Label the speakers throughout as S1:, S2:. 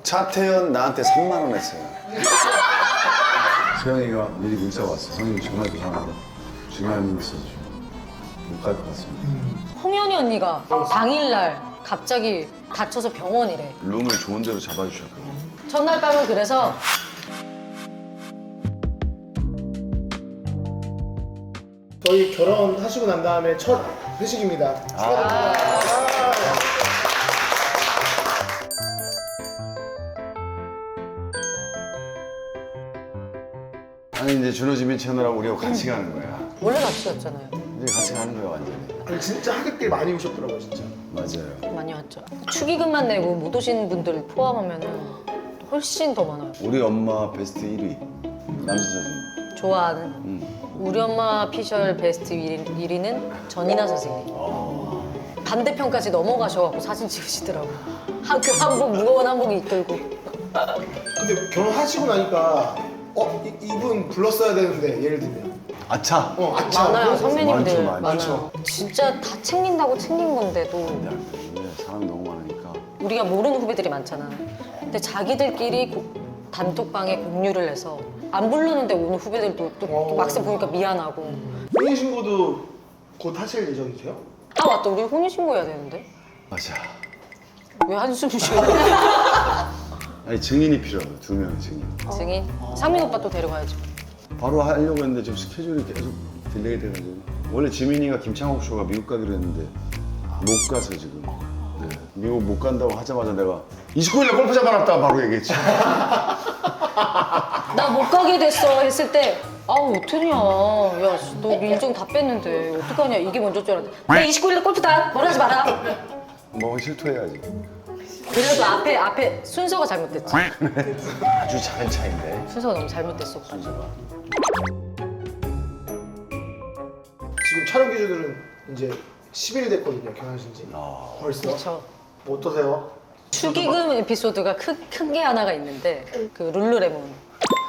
S1: 차태현 나한테 3만 원 했어요. 세영이가 미리 문자 왔어. 선생님 전화도 하고 중요한 일 있어서 못 갈 것 같습니다.
S2: 홍현이 언니가 당일날 갑자기 다쳐서 병원이래.
S1: 룸을 좋은 데로 잡아주셨거든요.
S2: 전날 밤은 그래서
S3: 저희 결혼하시고 난 다음에 첫 회식입니다. 축하드립니다.
S1: 아니 이제 준호지민 채널하고 우리하고 같이 가는 거야.
S2: 원래 같이 갔잖아요.
S1: 이제 같이 가는 거야 완전히.
S3: 아니, 진짜 하객들 많이 오셨더라고요, 진짜.
S1: 맞아요.
S2: 많이 왔죠. 축의금만 내고 못 오신 분들 포함하면은 훨씬 더 많아요.
S1: 우리 엄마 베스트 1위 남진 사진.
S2: 좋아하는 우리 엄마 피셜 베스트 1위는 전이나 선생님. 반대편까지 넘어가셔갖고 사진 찍으시더라고. 그 한복 무거운 한복 이끌고.
S3: 근데 결혼하시고 나니까 이분 불렀어야 되는데 예를 들면
S1: 아차.
S3: 아차.
S2: 많아요. 선배님들
S1: 많죠,
S2: 많아요. 진짜 다 챙긴다고 챙긴 건데도
S1: 근데 사람이 너무 많으니까.
S2: 우리가 모르는 후배들이 많잖아. 근데 자기들끼리 단톡방에 공유를 해서 안 부르는데 오는 후배들도 또 막상 보니까 미안하고.
S3: 혼인신고도 곧 하실 예정이세요?
S2: 아 맞다, 우리 혼인신고 해야 되는데
S1: 맞아.
S2: 왜 한숨 쉬어?
S1: 아니 증인이 필요하다. 2명의 증인.
S2: 증인? 상민 오빠 또 데려가야죠.
S1: 바로 하려고 했는데 지금 스케줄이 계속 딜레이 돼가지고. 원래 지민이가 김창욱 쇼가 미국 가기로 했는데 못 가서 지금. 네. 미국 못 간다고 하자마자 내가 29일에 골프 잡아놨다 바로 얘기했지.
S2: 나 못 가게 됐어 했을 때 아우 어떡하냐, 야 너 일정 다 뺐는데 어떡하냐, 이게 먼저 줄 알았는데 내 29일에 골프다, 뭐라 하지 마라.
S1: 뭐 실토해야지.
S2: 그래도 앞에 순서가 잘못됐지.
S1: 아주 작은 차인데.
S2: 순서가 너무 잘못됐어.
S3: 지금 촬영 기준으로는 이제 10일 됐거든요, 결혼하신 지. 벌써?
S2: 그렇죠.
S3: 뭐 어떠세요?
S2: 축의금 에피소드가 큰 게 하나가 있는데 그 룰루레몬.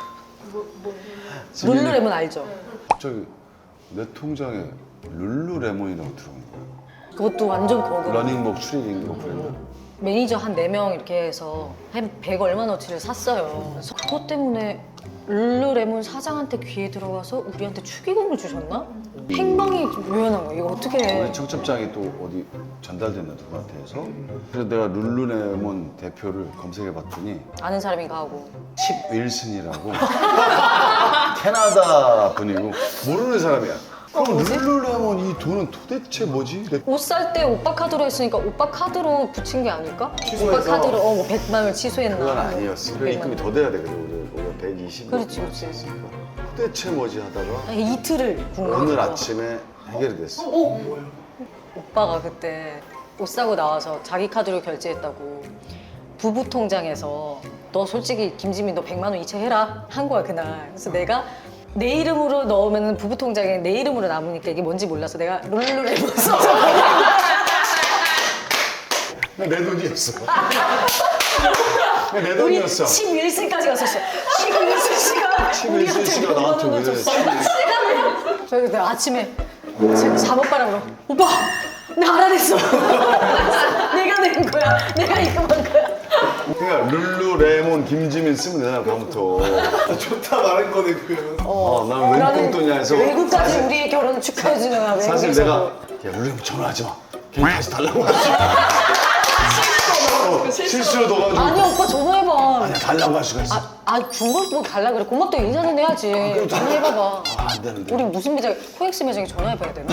S2: 룰루레몬 알죠?
S1: 갑자기 내 통장에 룰루레몬이라고 들어온 거야.
S2: 그것도 완전 거금.
S1: 러닝복 추리닝 거 브랜드.
S2: 매니저 한 4명 이렇게 해서 한 100 얼마어치를 샀어요. 그래서 그것 때문에 룰루레몬 사장한테 귀에 들어와서 우리한테 축의금을 주셨나? 행방이 묘연한 거야. 이거 어떻게 해?
S1: 우리 청첩장이 또 어디 전달됐나 누구한테 해서. 그래서 내가 룰루레몬 대표를 검색해봤더니
S2: 아는 사람인가 하고.
S1: 칩 윌슨이라고 캐나다 분이고 모르는 사람이야. 그럼
S2: 뭐지?
S1: 룰루레몬 이 돈은 도대체 뭐지?
S2: 옷 살 때 오빠 카드로 했으니까 오빠 카드로 붙인 게 아닐까?
S3: 취소해서.
S2: 오빠 카드로 뭐 100만 원을 취소했나?
S1: 그건 아니었어. 그
S2: 100만
S1: 입금이
S2: 원.
S1: 더 돼야 되거든. 우리가 120.
S2: 그렇지, 그렇지.
S1: 했으니까. 도대체 뭐지 하다가
S2: 아니, 이틀을 궁금했어.
S1: 오늘 아침에 해결이 됐어.
S2: 오빠가 그때 옷 사고 나와서 자기 카드로 결제했다고 부부 통장에서 너 솔직히 김지민 너 100만 원 이체해라 한 거야 그날. 그래서 내가 내 이름으로 넣으면 부부 통장에 내 이름으로 남으니까 이게 뭔지 몰라서 내가 룰루레몬 써서
S1: 내 돈이었어. 내
S2: 우리
S1: 돈이었어.
S2: 칩 윌슨까지 갔었어. 칩 윌슨 씨가
S1: 칩 윌슨 씨가 나한테 왜
S2: 줬어. 그래서 내가 아침에 잠옷바람으로 오빠 나 알아냈어. 내가 낸 거야. 내가 입금한 거야.
S1: 그러니까 룰루레몬 김지민 쓰면 되잖아 다음부터.
S3: 좋다 말한 거네, 그거는.
S1: 나는 웬
S2: 나는
S1: 똥돈이야 해서.
S2: 외국까지 우리의 결혼을 축하해주는 거야.
S1: 사실
S2: 외국에서도.
S1: 내가 야 룰루레몬 전화하지 마. 걔 다시 달라고 하지. 실수로 넣어가지고.
S2: 아니 오빠 전화해봐.
S1: 아니야 달라고 할 수가 있어.
S2: 중국 뭐 달라 그래. 고맙다 인사는 해야지. 전화해봐봐.
S1: 안 되는데.
S2: 우리 무슨 매장, 코엑스 매장에 전화해봐야 되나?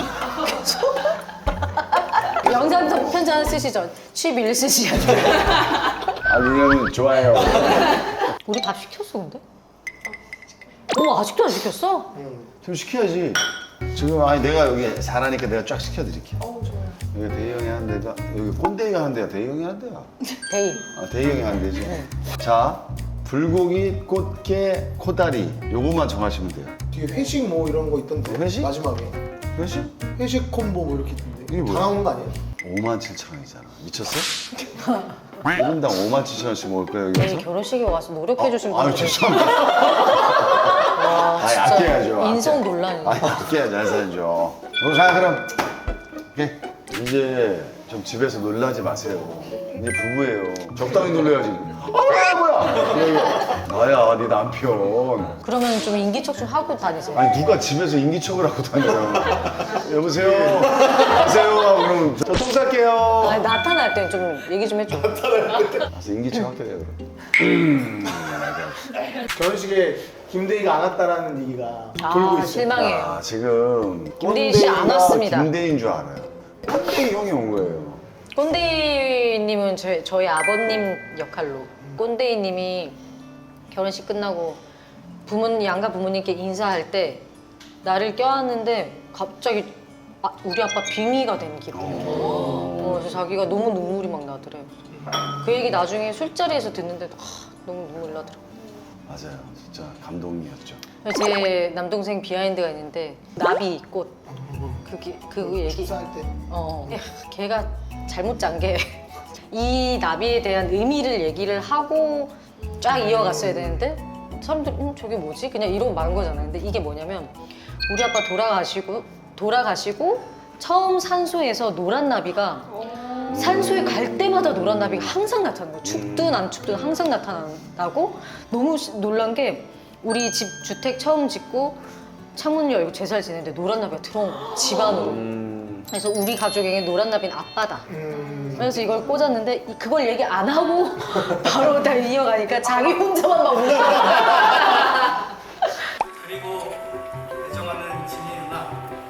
S2: 영상 편지 하나 쓰시죠. 취비를 쓰시죠.
S1: 룰루레몬 좋아해요.
S2: 우리 밥 시켰어 근데? 아직도 안 시켰어?
S1: 좀 시켜야지. 지금 아니 내가 여기 잘하니까 내가 쫙 시켜드릴게. 여기 대희 형이 하는 데가 여기 꼰대이가 하는 데야. 대희 형이 하는 데야.
S2: 데이.
S1: 대희 형이 하는 데지. 자 불고기, 꽃게, 코다리 요것만 정하시면 돼요.
S3: 뒤에 회식 뭐 이런 거 있던데.
S1: 회식?
S3: 마지막에.
S1: 그렇지?
S3: 회식 콤보 뭐 이렇게 있던데.
S1: 이게 뭐야?
S3: 다 나온 거 아니에요?
S1: 57,000원이잖아. 미쳤어? 1인당 57,000원씩 먹을 거야 여기
S2: 데이
S1: 와서?
S2: 결혼식에 와서 노력해주신
S1: 아유
S2: 분들.
S1: 죄송합니다. 아니
S2: 진짜
S1: 아껴야죠.
S2: 인성 논란이네.
S1: 아니 아껴야지 안 사야죠. 오늘 가 그럼. 오케이. 이제 좀 집에서 놀라지 마세요. 이제 부부예요. 적당히 놀려야지. 뭐 나야 네 남편.
S2: 그러면 좀 인기척 좀 하고 다니세요.
S1: 아니 누가 집에서 인기척을 하고 다녀요. 여보세요. 가세요. 그럼 저 똥 쌀게요.
S2: 아니, 나타날 때 좀 얘기 좀 해줘.
S1: 가서 인기척 할게요. 그럼.
S3: 결혼식에 김대희가 안 왔다라는 얘기가 돌고 있어요.
S2: 실망해요.
S1: 아 지금
S2: 김대희 씨안 왔습니다.
S1: 김대희인 줄 알아요. 꼰대희 형이 온 거예요.
S2: 꼰대이님은 저희 아버님 역할로 꼰대이님이 결혼식 끝나고 양가 부모님께 인사할 때 나를 껴안는데 갑자기 우리 아빠 빙의가 된 기분이에요. 그래서 자기가 너무 눈물이 막 나더래요. 그 얘기 나중에 술자리에서 듣는데도 너무 눈물이 나더라고요.
S1: 맞아요. 진짜 감동이었죠.
S2: 제 남동생 비하인드가 있는데 나비꽃 그 얘기
S3: 식사할 때
S2: 걔가 잘못 짠 게 이 나비에 대한 의미를 얘기를 하고 쫙 이어갔어야 되는데 사람들이 저게 뭐지? 그냥 이러고 만 거잖아요. 근데 이게 뭐냐면 우리 아빠 돌아가시고 처음 산소에서 노란 나비가 산소에 갈 때마다 노란 나비가 항상 나타나는 거예요. 춥든 안 춥든 항상 나타나고 너무 놀란 게 우리 집 주택 처음 짓고 창문 열고 제사를 지내는데 노란 나비가 들어온 거예요. 집 안으로. 그래서 우리 가족에게 노란 나비는 아빠다. 그래서 이걸 꽂았는데 그걸 얘기 안 하고 바로 다 이어가니까 자기 혼자만 막 웃고.
S4: 그리고 애정하는 진이 누나.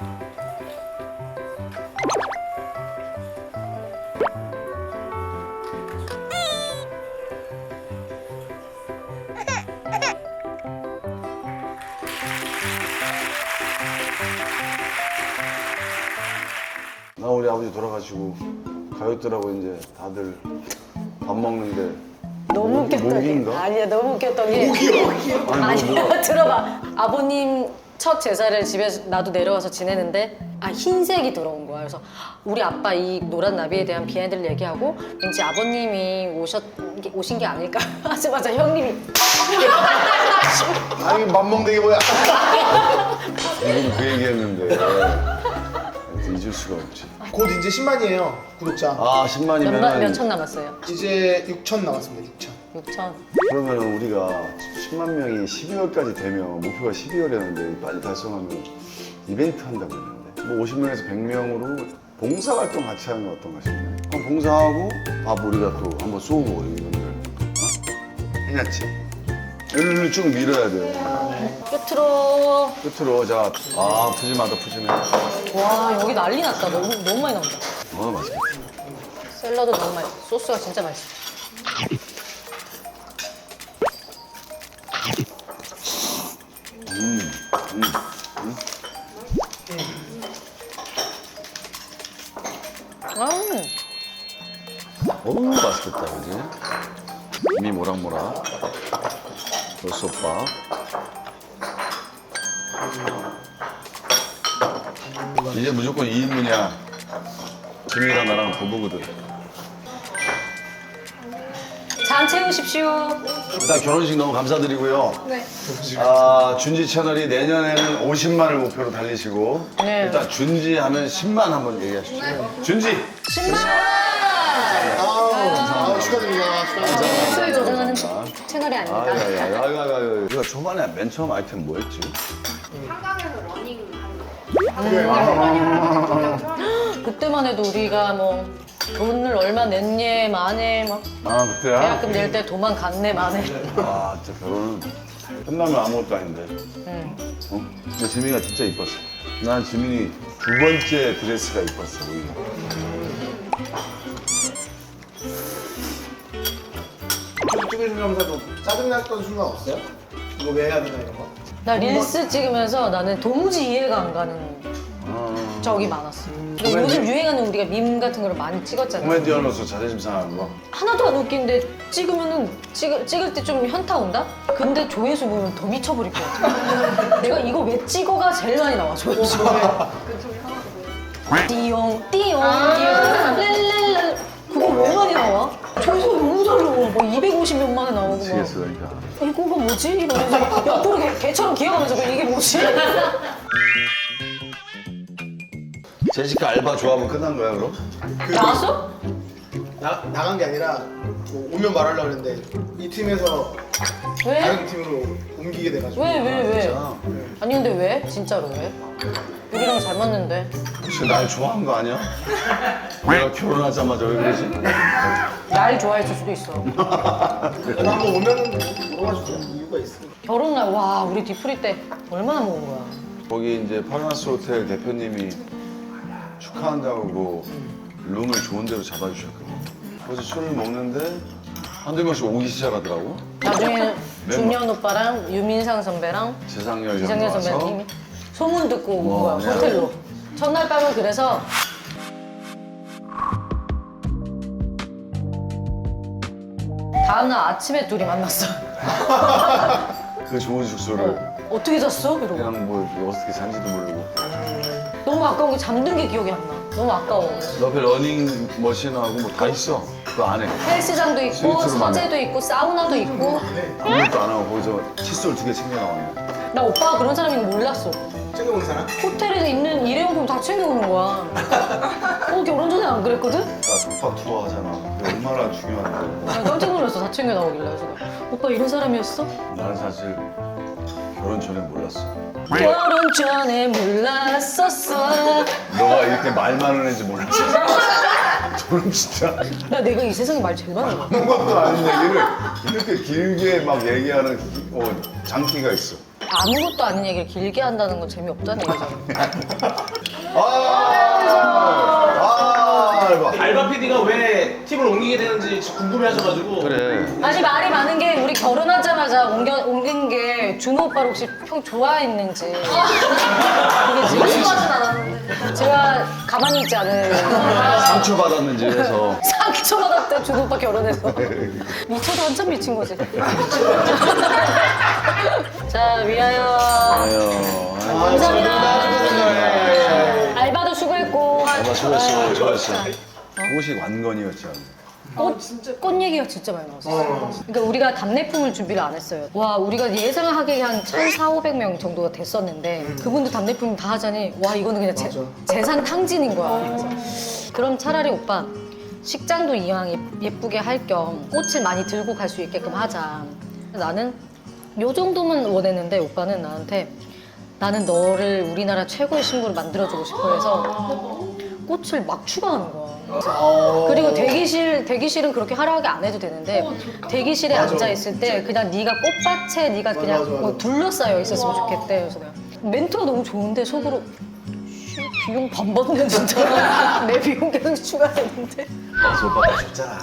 S1: 나 우리 아버지 돌아가시고 가요들하고 이제 다들 밥 먹는데
S2: 너무 웃겼던 게
S1: 목인가?
S2: 아니야 너무 웃겼던 게 아니야 들어봐 아버님 첫 제사를 집에서 나도 내려와서 지내는데 흰색이 들어온 거야. 그래서 우리 아빠 이 노란 나비에 대한 비하인드를 얘기하고 왠지 아버님이 오신 게 아닐까 하자마자 형님이
S1: 아니 맘먹는 게 뭐야? 지금 그 얘기했는데 잊을 수가 없지.
S3: 곧 이제 10만이에요 구독자.
S1: 아 10만이면
S2: 몇천 남았어요?
S3: 이제 6천 남았습니다. 6천.
S2: 6천.
S1: 그러면 우리가 10만 명이 12월까지 되면 목표가 12월이었는데 빨리 달성하면 이벤트 한다고 했는데 뭐 50명에서 100명으로 봉사활동 같이 하는 건 어떤가 싶네. 그럼 봉사하고 밥 우리가 또 한번 쏘고 이분들 해놨지? 일로 쭉 밀어야 돼요. 끝으로 자 푸짐해.
S2: 와 여기 난리 났다. 너무 많이 나온다.
S1: 맛있겠다.
S2: 샐러드 너무 맛있어. 소스가 진짜 맛있어.
S1: 어우 맛있겠다 그지? 이미 모락모락 벌써밥 이제 무조건 2인분이야. 지민이랑 나랑 부부거든.
S2: 잔 채우십시오.
S1: 일단 결혼식 너무 감사드리고요.
S2: 네.
S1: 준지 채널이 내년에는 50만을 목표로 달리시고
S2: 네.
S1: 일단 준지 하면 10만 한번 얘기하십시오. 준지!
S2: 10만!
S3: 축하드립니다.
S2: 술 조정하는 채널이 아닙니다.
S1: 아유. 우리가 초반에 맨 처음 아이템 뭐였지?
S5: 한강에서 러닝 하는 거.
S2: 그때만 해도 우리가 뭐 돈을 얼마 냈네 만에 막
S1: 그때야?
S2: 계약금 낼 때 도망 갔네 만에.
S1: 진짜 결혼은 끝나면 아무것도 아닌데. 근데 지민이가 진짜 이뻤어. 난 지민이 두 번째 드레스가 이뻤어, 오히려.
S3: 찍으시면서도 짜증났던 순간 없어요? 이거 왜 해야 되나 이런 거?
S2: 나 릴스 찍으면서 나는 도무지 이해가 안 가는 적이 많았어. 근데 요즘 유행하는 우리가 밈 같은 거를 많이 찍었잖아.
S1: 코미디언으로서 자존심 상하는 거?
S2: 하나도 안 웃긴데 찍으면은 찍을 때 좀 현타 온다? 근데 조회수 보면 더 미쳐버릴 것 같아. 내가 이거 왜 찍어가 제일 많이 나와 조회수. 띠용 띠용 랄랄랄 그거 왜 많이 나와? 조회수가 너무 잘 나와. 뭐 250몇만에 나오고 막.
S1: 미치겠어, 그러니까.
S2: 이거가 뭐지? 이러면서 옆으로 개처럼 기어가면서 이게 뭐지?
S1: 제시카 알바 조합은 끝난 거야, 그럼?
S2: 나왔어?
S3: 나간 게 아니라 뭐 오면 말하려고 했는데 이 팀에서
S2: 왜?
S3: 다른 팀으로 옮기게 돼가지고.
S2: 왜?
S1: 진짜?
S2: 아니 근데 왜? 진짜로 왜? 우리랑 잘 맞는데.
S1: 혹시 날 좋아한 거 아니야? 내가 결혼하자마자 왜 그러지?
S2: 날 좋아했을 수도 있어.
S3: 그럼 한번 오면 물어봐 주세요. 이유가 있으니까.
S2: 결혼날 와 우리 뒤풀이 때 얼마나 먹은 거야.
S1: 거기 이제 파라나스 호텔 대표님이 축하한다고 뭐 룸을 좋은 데로 잡아주셨거든요. 그래서 술을 먹는데 한두 명씩 오기 시작하더라고.
S2: 나중에 중년 오빠랑 유민상 선배랑
S1: 지상렬
S2: 이상현
S1: 형도 와서
S2: 선배님이 소문 듣고 온
S1: 와,
S2: 거야
S1: 그냥.
S2: 호텔로. 첫날 밤은 그래서 다음날 아침에 둘이 만났어.
S1: 그 좋은 숙소를
S2: 어떻게 잤어? 이러고.
S1: 그냥 뭐 어떻게 잔지도 모르고
S2: 너무 아까운 게 잠든 게 기억이 안 나. 너무 아까워.
S1: 옆에 러닝 머신하고 뭐 다 있어 그 안에.
S2: 헬스장도 있고
S1: 스위트룸 안에.
S2: 서재도 있고 사우나도 있고.
S1: 아무것도 안 하고 거기서 칫솔 2개 챙겨 나왔네.
S2: 나 오빠가 그런 사람인 거 몰랐어.
S3: 챙겨온 사람?
S2: 호텔에 있는 일회용품 다 챙겨오는 거야. 결혼 전에 안 그랬거든?
S1: 나 독박 투어 하잖아. 그게 얼마나 중요한데.
S2: 나 깜짝 놀랐어. 다 챙겨 나오길래. 그래서 내가, 오빠 이런 사람이었어?
S1: 나는 사실 결혼 전에 몰랐어.
S2: 결혼 전에 몰랐었어.
S1: 너가 이렇게 말 많은 애인지 몰랐어. 저는 진짜
S2: 내가 이 세상에 말 제일 많아.
S1: 아무것도 아닌 얘기를 이렇게 길게 막 얘기하는 장기가 있어.
S2: 아무것도 아닌 얘기를 길게 한다는 건 재미없다는 얘기잖아.
S1: 알바.
S6: 알바 PD가 왜 팀을 옮기게 되는지 궁금해하셔가지고
S1: 그래.
S2: 아니 말이 많은 게 우리 결혼하자마자 옮긴 게 준호 오빠를 혹시 평 좋아했는지. 이게 지금 제가 가만히 있지 않은
S1: 상처받았는지 해서.
S2: 상처받았대 준호 오빠 결혼해서. 미쳐도 한참 미친 거지. 자 위하여.
S1: 아유.
S2: 감사합니다. 알바도 수고했고.
S1: 알바 수고했어. 옷이 완건이었지.
S2: 꽃 얘기가 진짜 많이 나왔어요. 그러니까 우리가 답례품을 준비를 안 했어요. 와, 우리가 예상하기에 한 1,400~500명 정도가 됐었는데 그분들 답례품 다 하자니 와, 이거는 그냥 재산 탕진인 거야. 그래서 그럼 차라리 오빠 식장도 이왕 예쁘게 할 겸 꽃을 많이 들고 갈 수 있게끔 하자. 나는 요 정도만 원했는데 오빠는 나한테 나는 너를 우리나라 최고의 신부를 만들어주고 싶어 해서 꽃을 막 추가하는 거야. 그리고 대기실은 그렇게 화려하게 안 해도 되는데 대기실에 앉아 있을 때 그냥 네가 꽃밭에 네가 그냥
S3: 맞아.
S2: 뭐 둘러싸여 있었으면 좋겠대. 그래서 내가 멘트가 너무 좋은데 속으로 씨, 비용 반 받는 진짜 내 비용 계속 추가되는데.
S1: 그래서 오빠가 줬잖아.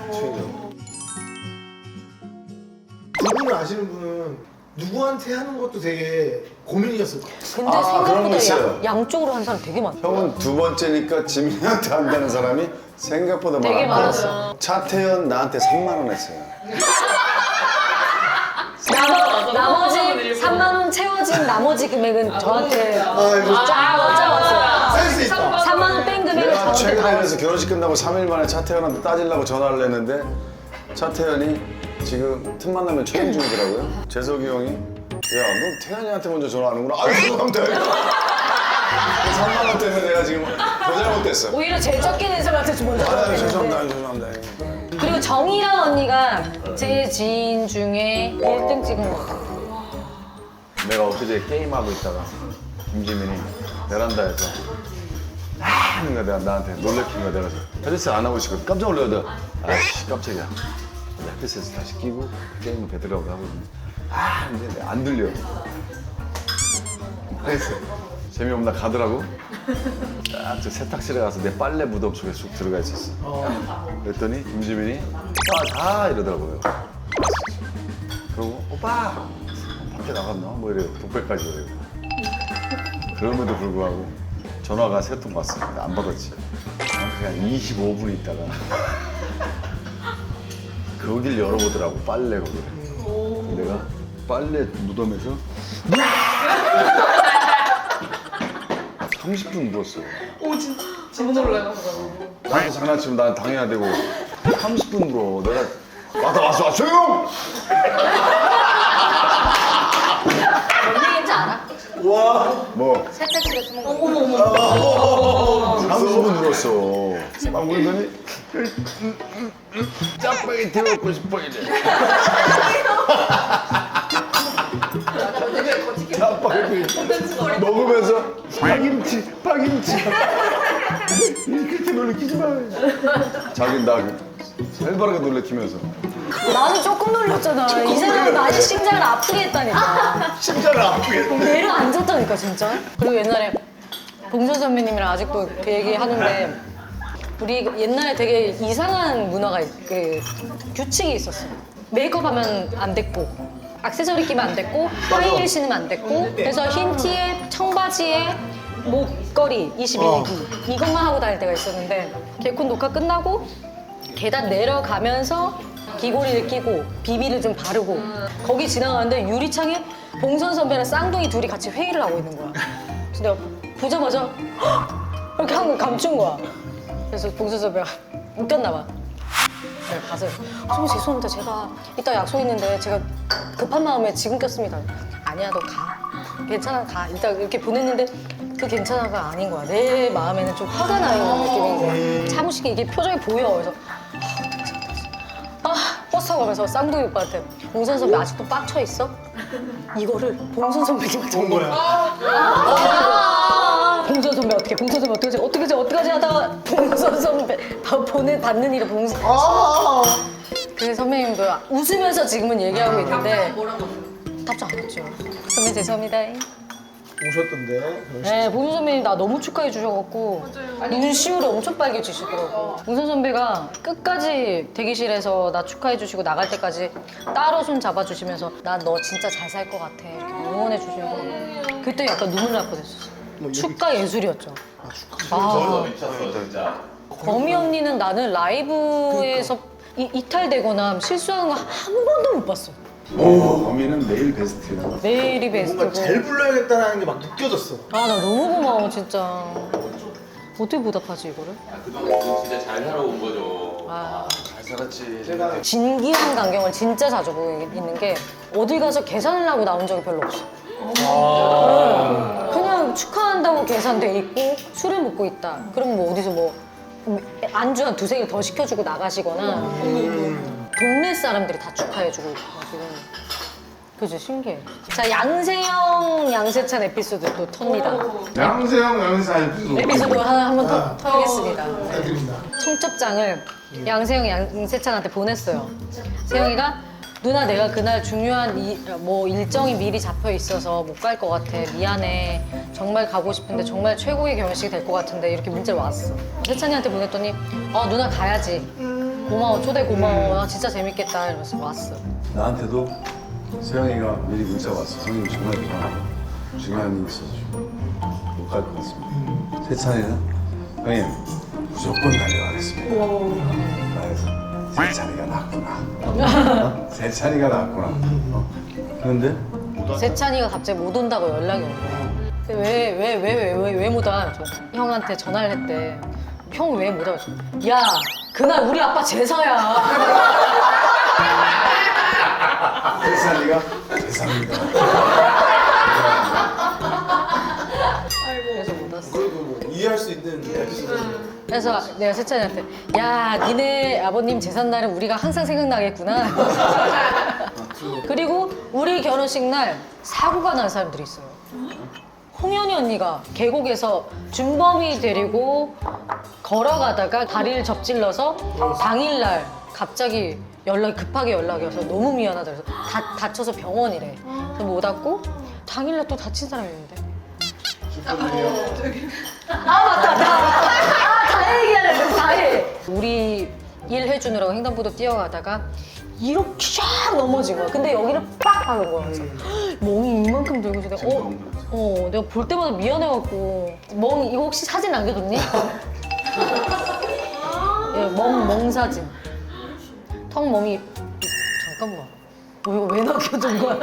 S3: 두 분을 아시는 분은 누구한테 하는 것도 되게 고민이었을 것 같아요.
S2: 근데
S1: 그런 거
S2: 생각보다
S1: 있어요.
S2: 양쪽으로 한 사람 되게 많아.
S1: 형은 두 번째니까 지민이한테 한다는 사람이 생각보다
S2: 되게
S1: 많아.
S2: 많았어.
S1: 차태현 나한테 3만 원 했어요.
S2: 나머지 3만 원 채워진 나머지 금액은 저한테
S3: 이거
S2: 쫙 왔어요.
S3: 센스 있다.
S2: 3만 원 뺀 금액을
S1: 내가
S2: 저한테
S1: 최근에
S2: 다
S1: 그래서 결혼식 끝나고 3일 만에 차태현한테 따지려고 전화를 했는데 차태현이 지금 틈만 나면 촬영 중이더라고요. 재석이 형이 야, 너 태현이한테 먼저 전화하는구나. 아유, 죄송합니다. 3만 원 때문에 내가 지금 더 잘못됐어.
S2: 오히려 제일 적게 낸 사람한테 좀 먼저
S1: 아유, 죄송합니다.
S2: 전화했는데.
S1: 아유, 죄송합니다.
S2: 그리고 정이랑 언니가 제 지인 중에 1등 찍은 거 같아.
S1: 내가 엊그제 게임하고 있다가 김지민이 베란다에서 하는 거야. 내가 나한테 놀래킨 거야. 내가 헤드셋 안 하고 있었거든. 깜짝 놀라서 아이씨 깜짝이야. 헤드셋을 다시 끼고 게임을 배들어가고 하거든. 근데 안 들려. 그래서 재미없나 가더라고. 딱 저 세탁실에 가서 내 빨래 무덤 속에 쑥 들어가 있었어. 그랬더니 김지민이 오빠 가 이러더라고요. 그러고 오빠 밖에 나갔나? 뭐 이래요. 독백까지 이래요. 그럼에도 불구하고 전화가 3통 왔어. 근데 안 받았지. 그냥 25분 있다가 거길 열어보더라고. 빨래 거기를. 내가 빨래 무덤에서 30분 누웠어.
S5: 진짜 놀라요.
S1: 나한테 장난치면 난 당해야 되고 30분 물어. 내가 왔어 조용!
S2: 뭔 얘기인지 알아?
S1: 뭐
S2: 세탁실에 숨은 거.
S1: 30분 눌렀어. 막 울더니 짜파게티 먹고 싶어 이래. 짜파게티 먹으면서 파김치 그렇게 놀래키지 마. 자기 나 살바르게 놀래키면서
S2: 나는 조금 놀랐잖아. 이 사람은 많이 심장을 아프게 했다니까.
S1: 심장을 아프게.
S2: 내려앉았다니까 진짜. 그리고 옛날에 봉선 선배님이랑 아직도 그 얘기 하는데 우리 옛날에 되게 이상한 문화가 그 규칙이 있었어. 메이크업 하면 안 됐고 액세서리 끼면 안 됐고 하이힐 신으면 안 됐고 그래서 흰 티에 청바지에 목걸이 21기 이것만 하고 다닐 때가 있었는데 개콘 녹화 끝나고 계단 내려가면서 귀걸이를 끼고 비비를 좀 바르고 거기 지나가는데 유리창에 봉선 선배랑 쌍둥이 둘이 같이 회의를 하고 있는 거야. 그래서 내가 보자마자 헉! 이렇게 한 거 감춘 거야. 그래서 봉선 선배가 웃겼나 봐. 내가 가서 선배 죄송합니다. 제가 이따 약속 있는데 제가 급한 마음에 지금 꼈습니다. 아니야 너 가. 괜찮아 가. 이따 이렇게 보냈는데 그 괜찮아가 아닌 거야. 내 마음에는 좀 화가 나 있는 느낌인 거야. 차무식이 이게 표정이 보여. 그래서 버스 타고 가면서 쌍둥이 오빠한테 봉선 선배 아직도 빡쳐 있어? 이거를 봉선 선배님한테 온 거야. 봉선 선배 어떻게? 봉선 선배 어떡하지 하다가 봉선 선배 받는 일을 봉선. 그 선배님도 웃으면서 지금은 얘기하고 있는데 답장 안 왔죠. 선배 죄송합니다.
S3: 오셨던데.
S2: 네, 봉선 선배님 나 너무 축하해 주셔갖고 눈시울이 엄청 빨개지시더라고. 봉선 선배가 끝까지 대기실에서 나 축하해 주시고 나갈 때까지 따로 손 잡아주시면서 나 너 진짜 잘 살 것 같아 이렇게 응원해 주시고 그때 약간 눈물 날 뻔했었어. 축가 예술이었죠. 아,
S6: 미쳤어 진짜.
S2: 범이 언니는 나는 라이브에서 이탈되거나 실수하는 거 한 번도 못 봤어.
S1: 범인은 매일 베스트야.
S2: 매일이 베스트고.
S3: 뭔가 잘 불러야겠다는 게 막 느껴졌어.
S2: 아, 나 너무 고마워, 진짜. 어떻게 보답하지, 이거를?
S6: 그동안 진짜 잘 살아온 거죠.
S2: 아,
S1: 잘 살았지.
S3: 제가
S2: 진기한 광경을 진짜 자주 보고 있는 게 어디 가서 계산을 하고 나온 적이 별로 없어. 그냥 축하한다고 계산돼 있고 술을 먹고 있다. 그럼 뭐 어디서 뭐 안주 한 두세 개 더 시켜주고 나가시거나 동네 사람들이 다 축하해주고 있어가지고 그죠 신기해. 자 양세형 양세찬 에피소드 또 텁니다.
S1: 양세형
S2: 에피소드 하나 한 번 더 털겠습니다.
S3: 부탁드립니다.
S2: 청첩장을 양세형 양세찬한테 보냈어요. 세형이가 누나 내가 그날 중요한 뭐 일정이 미리 잡혀 있어서 못 갈 것 같아. 미안해. 정말 가고 싶은데 정말 최고의 결혼식이 될 것 같은데 이렇게 문자를 왔어. 세찬이한테 보냈더니 누나 가야지. 고마워. 초대 고마워. 아, 진짜 재밌겠다. 이러면서 왔어.
S1: 나한테도 세영이가 미리 문자 왔어. 형님 정말 중요한 일이 있어서 못 갈 것 같습니다. 세찬이는 형님 무조건 달려가겠습니다. 그래서 세찬이가 낫구나. 세찬이가 낫구나. 그런데
S2: 세찬이가 갑자기 못 온다고 연락이 온 거야. 왜 못 와? 저 형한테 전화를 했대. 형 왜 못 와? 야, 그날 우리 아빠 제사야.
S1: 세찬이가 죄송합니다.
S2: 그래서 못 왔어.
S3: 그래도 뭐 이해할 수 있는 에피소드.
S2: 그래서 내가 세찬이한테 야, 니네 아버님 제삿날은 우리가 항상 생각나겠구나. 그리고 우리 결혼식 날 사고가 난 사람들이 있어요. 홍현이 언니가 계곡에서 준범이 데리고 걸어가다가 다리를 접질러서 당일날 갑자기 급하게 연락이 와서 너무 미안하다 그래서 다쳐서 병원이래. 그래서 못 왔고 당일날 또 다친 사람이 있는데. 다 얘기하려고 다 해. 우리 일 해주느라고 횡단보도 뛰어가다가 이렇게 샥 넘어진 거야. 근데 여기를 빡 하는 거야. 그래서 멍이 이만큼 들고 있어. 내가 볼 때마다 미안해갖고 멍 이거 혹시 사진 남겨뒀니? 예, 멍 사진. 턱 멍이 잠깐만. 이거 왜 남겨둔 거야?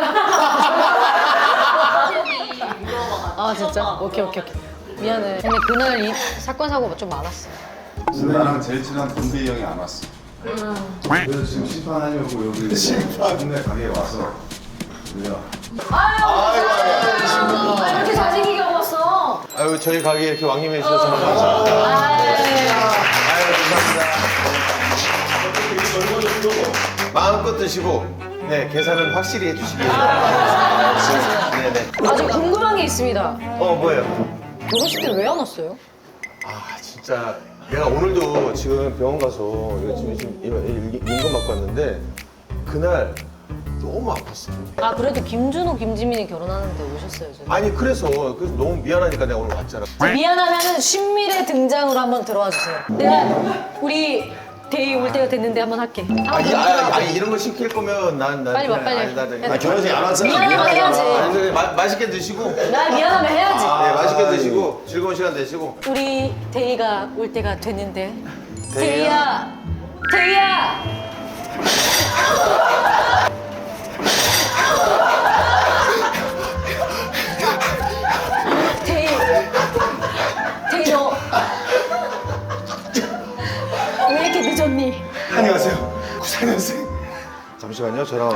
S2: 아 진짜? 오케이. 미안해. 근데 그날 이 사건 사고가 좀 많았어.
S1: 나랑 제일 친한 동빈이 형이 안 왔어. 그래서 지금 심판하려고 여기 동네 가게에 와서 우리가
S2: 아, 이렇게 잘생기게 먹었어.
S6: 아유 저희 가게 이렇게 왕님해 주셔서 정말 감사합니다. 아유 감사합니다. 마음껏 드시고 네 계산은 확실히 해주시기 바랍니다. 네네.
S2: 아, 저 궁금한 게 있습니다.
S6: 뭐예요?
S2: 결혼식 때 왜 안 왔어요?
S6: 아 진짜 내가 오늘도 지금 병원 가서 이거 지금 인건 받고 왔는데 그날 너무 아팠어.
S2: 아, 그래도 김준호, 김지민이 결혼하는데 오셨어요, 저.
S6: 아니 그래서 너무 미안하니까 내가 오늘 왔잖아.
S2: 미안하면은 신밀의 등장으로 한번 들어와 주세요. 내가 우리 데이 올 때가 됐는데 한번 할게.
S6: 아니 이런 거 시킬 거면 난
S2: 빨리 와, 빨리.
S1: 아, 결혼식 안 왔잖아.
S2: 미안하면 해야지.
S6: 아니, 맛있게 드시고
S2: 나 미안하면 해야지.
S6: 네 맛있게 드시고 즐거운 시간 되시고.
S2: 우리 데이가 올 때가 됐는데. 데이야, 데이야. 데이, 데이 너 왜 이렇게 늦었니?
S6: 안녕하세요. 94년생. 잠시만요. 저랑.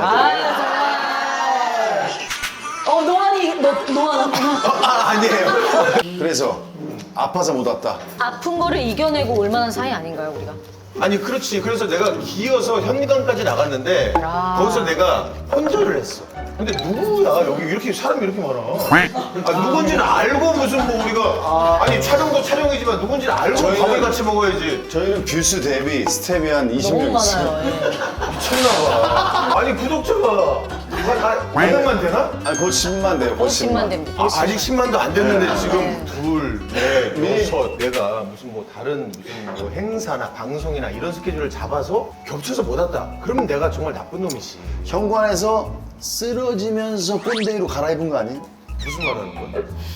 S2: 노안이 노안
S6: 아니에요.
S1: 그래서 아파서 못 왔다.
S2: 아픈 거를 이겨내고 올 만한 사이 아닌가요, 우리가?
S6: 아니 그렇지. 그래서 내가 기어서 현미관까지 나갔는데
S2: 아.
S6: 거기서 내가 혼절을 했어. 근데 누구야? 여기 이렇게 사람이 이렇게 많아. 누군지는 알고 무슨 뭐 우리가 아니 촬영도 촬영이지만 누군지는 알고
S1: 저희는-
S6: 밥을 같이 먹어야지.
S1: 저희는 뷰스 대비 스텝이 한 20명
S2: 너무
S1: 있어요.
S2: 많아요. 예.
S6: 미쳤나봐. 아니 구독자가 500만 되나?
S1: 아니, 곧 10만 돼요, 곧
S2: 50만 됩니다.
S6: 아직 10만도 안 됐는데
S2: 네.
S6: 지금 둘, 넷, 여섯 내가 무슨 뭐 다른 무슨 뭐 행사나 방송이나 이런 스케줄을 잡아서 겹쳐서 못 왔다. 그러면 내가 정말 나쁜 놈이지.
S1: 현관에서 쓰러지면서 꼰대이로 갈아입은 거 아니?
S6: 무슨 말 하는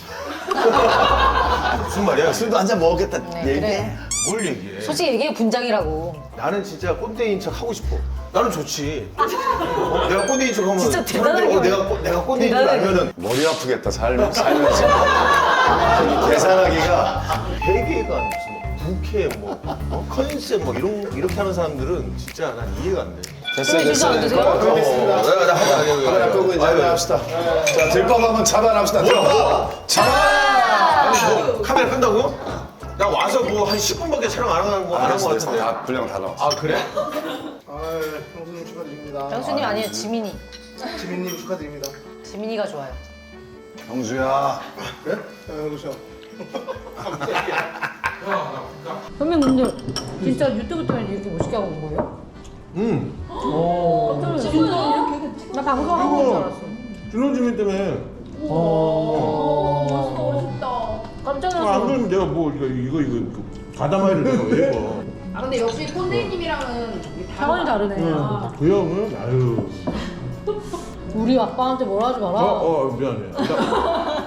S6: 거야? 무슨 말이야?
S1: 술도 한 잔 먹었겠다.
S2: 네,
S1: 얘기해.
S2: 그래.
S6: 뭘 얘기해?
S2: 솔직히 얘기해 분장이라고.
S6: 나는 진짜 꼰대인 척 하고 싶어. 나는 좋지. 내가 꼰대인 척 하면
S2: 진짜
S6: 사람들이
S2: 대단하게
S6: 내가 꼰대인 줄
S2: 대단하게.
S6: 알면은
S1: 머리 아프겠다, 살면서. 계산하기가.
S6: 회계가 무슨 뭐 부캐 뭐 컨셉 뭐 이렇게 하는 사람들은 진짜 난 이해가 안 돼.
S1: 됐어요,
S2: 진짜 안
S1: 됐어요.
S2: 드세요?
S1: 카메라 끄고 이제 한잔합시다. 자, 들밥 한번 차단합시다. 들밥! 차단!
S6: 뭐 카메라 끈다고? 나 와서 뭐 한 10분밖에 촬영 안 한 거 같은데.
S1: 다 분량 다 나왔어.
S6: 아 그래?
S3: 아, 형수님 축하드립니다.
S2: 형수님 아니에요, 지민이.
S3: 지민님 축하드립니다.
S2: 지민이가 좋아요.
S1: 형수야.
S3: 그래? 그렇죠.
S2: 선배님 근데 진짜 유튜브 때문에 이렇게 멋있게 하고 온 거예요? 진짜? 나 방송하고 온줄 알았어.
S7: 준호주민 때문에
S2: 깜짝
S7: 안
S2: 놀랐어.
S7: 그러면 내가 뭐 이거 가다마이를 내가 왜 입어?
S5: 아 근데 역시 꼰대님이랑은
S2: 차원이 다르네.
S7: 그 형은 아유
S2: 우리 아빠한테 뭐라 하지 마라.
S7: 미안해.